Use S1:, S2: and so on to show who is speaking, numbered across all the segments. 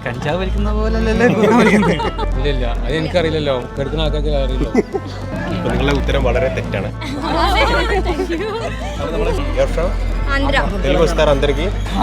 S1: കഞ്ചാവ് വലിക്കുന്ന പോലല്ലേ
S2: ഇല്ല അത് എനിക്കറിയില്ലല്ലോ, കെടുക്കുന്ന ആൾക്കാർക്ക് അറിയില്ലോ.
S3: അപ്പോൾ നിങ്ങളുടെ ഉത്തരം വളരെ തെറ്റാണ്. తెలుగు వస్తారు అందరికి.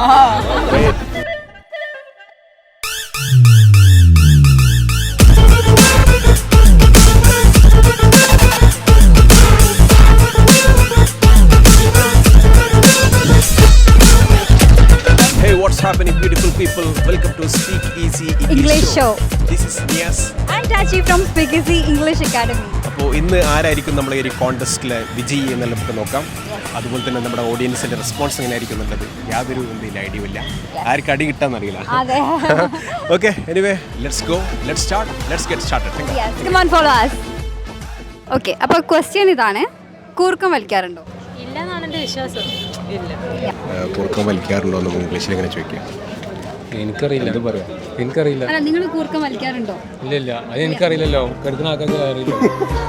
S3: Hey, what's happening, beautiful people? Welcome to Speak Easy English Show. This is Nias.
S4: I'm Tachi from Speak Easy English Academy.
S3: അപ്പോൾ ഇന്ന് ആരായിരിക്കും നമ്മളെ ഈ കോൺടെസ്റ്റിലെ വിജയി എന്നെല്ലാം നമുക്ക് നോക്കാം. അതുപോലെ തന്നെ നമ്മുടെ ഓഡിയൻസിന്റെ റെസ്പോൺസ് എങ്ങനെ ആയിരിക്കും എന്നുള്ളത് യാതൊരു എന്തെങ്കിലും ഐഡിയ ഇല്ല. ആർക്ക് അടി കിട്ടാന്നറിയില്ല. Okay, anyway let's go, let's get started.
S4: Come on, follow us. Okay, അപ്പോൾ ക്വസ്റ്റ്യൻ ഇതാണ്, കൂർക്കം വലിക്കാറുണ്ടോ?
S5: ഇല്ലെന്നാണ് എൻ്റെ വിശ്വാസം.
S3: കൂർക്കം വലിക്കാറുണ്ടോ എന്ന് ഇംഗ്ലീഷിൽ എങ്ങനെ ചോദിക്കാം?
S2: എനിക്കറിയില്ല, എന്ത് പറയാം, എനിക്കറിയില്ല.
S4: അല്ല, നിങ്ങൾ കൂർക്കം വലിക്കാറുണ്ടോ?
S2: ഇല്ല അത് എനിക്കറിയില്ലല്ലോ, കെടുക്കുന്ന ആൾക്കാർക്ക് അറിയില്ലോ.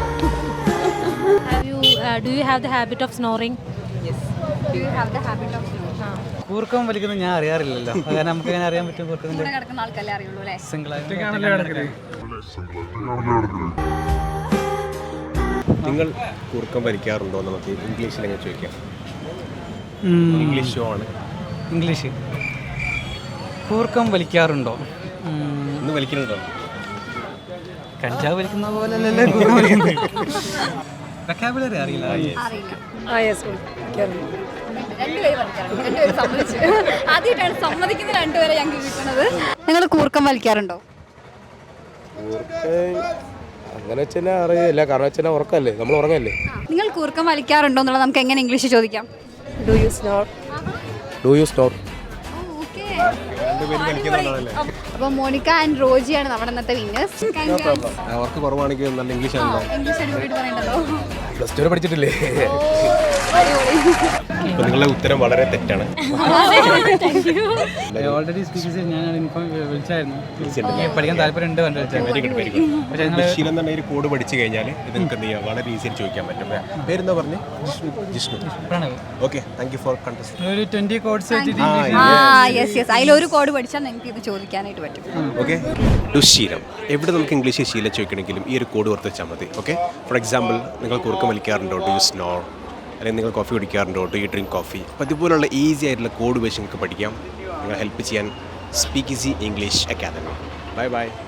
S5: Do you have the habit of snoring?
S4: Yes. Do you have the habit of snoring?
S1: കൂർക്കം വലിക്കുന്നത് ഞാൻ അറിയാറില്ലല്ലോ, കാരണം നമുക്ക് എങ്ങനെ അറിയാൻ പറ്റും? കൂർക്കത്തിന്റെ
S4: കൂടെ കിടക്കുന്ന ആൾക്കല്ലേ അറിയുള്ളൂ അല്ലേ?
S1: സിംഗിൾ
S3: നിങ്ങൾ കൂർക്കം വലിക്കാറുണ്ടോ എന്ന് നമുക്ക് ഇംഗ്ലീഷിൽ എങ്ങനെ ചോദിക്കാം? ഇംഗ്ലീഷ് ഷോ ആണ്.
S1: ഇംഗ്ലീഷ്. കൂർക്കം വലിക്കാറുണ്ടോ?
S3: ഇന്ന് വലിക്കുന്നുണ്ടോ?
S1: കഞ്ചാവ് വലിക്കുന്ന പോലല്ലേ കൂർക്കം വലിക്കുന്നത്. വെക്കാബുലറി അറിയില്ല.
S4: രണ്ടുപേരും വലിക്കാറുണ്ട്. രണ്ടുപേരും സമ്മതിച്ചു. ആദ്യമായിട്ടാണ് സമ്മതിക്കുന്ന രണ്ടുപേരെ ഞങ്ങൾക്ക് കിട്ടുന്നത്. നിങ്ങൾ കൂർക്കം വലിക്കാറുണ്ടോ?
S6: അങ്ങനെ വെച്ചാൽ അറിയില്ല, കാരണം വെച്ചാൽ ഉറക്കല്ലേ, നമ്മൾ ഉറങ്ങല്ലേ.
S4: നിങ്ങൾ കൂർക്കം വലിക്കാറുണ്ടോ എന്നുള്ളത് നമുക്ക് എങ്ങനെ ഇംഗ്ലീഷ് ചോദിക്കാം?
S6: Do you snore?
S4: അപ്പോൾ മോണിക്ക ആൻഡ് റോജിയാണ് നമ്മുടെ ഇന്നത്തെ വിന്നേഴ്സ്.
S3: അവർക്ക് കുറവാണെങ്കിൽ നല്ല ഇംഗ്ലീഷ് ആണല്ലോ.
S4: ഇംഗ്ലീഷ് അടിപൊളിയായിട്ട് പറയണ്ടല്ലോ.
S6: പ്ലസ് ടു പഠിച്ചിട്ടില്ലേ?
S3: അപ്പോൾ നിങ്ങളുടെ ഉത്തരം വളരെ തെറ്റാണ്.
S1: ഓൾറെഡി സ്പീക്ക് ഞാൻ ഇൻഫോം വിളിച്ചായിരുന്നു, പഠിക്കാൻ താല്പര്യമുണ്ട്.
S3: Very good, very good. ശീലം തന്നെ ഒരു കോഡ് പഠിച്ചു കഴിഞ്ഞാൽ ഇത് നിങ്ങൾക്ക് എന്ത് ചെയ്യാം, വളരെ ഈസിയായി ചോദിക്കാൻ പറ്റും. പേരെന്താ പറഞ്ഞു? Jishnu. Okay, thank you for contest.
S1: ഒരു 20 കോഡ്സ്
S4: യെസ്, അതിലൊരു കോഡ് പഠിച്ചാൽ നിങ്ങൾക്ക് ഇത് ചോദിക്കാനായിട്ട് പറ്റും.
S3: ഓക്കെ, ദുശ്ശീലം. എവിടെ നമുക്ക് ഇംഗ്ലീഷ് ശീലം ചോദിക്കണമെങ്കിലും ഈ ഒരു കോഡ് ഓർത്ത് വെച്ചാൽ മതി. ഓക്കെ, ഫോർ എക്സാമ്പിൾ, നിങ്ങൾ കൂർക്കം വലിക്കാറുണ്ടോ? Do you snore? അല്ലെങ്കിൽ നിങ്ങൾ കോഫി കുടിക്കാറുണ്ടോ? Do you drink coffee? അപ്പോൾ ഇതുപോലുള്ള ഈസി ആയിട്ടുള്ള കോഡ് വെച്ച് നിങ്ങൾക്ക് പഠിക്കാം. നിങ്ങൾ ഹെൽപ്പ് ചെയ്യാൻ speak easy English academy. Bye by.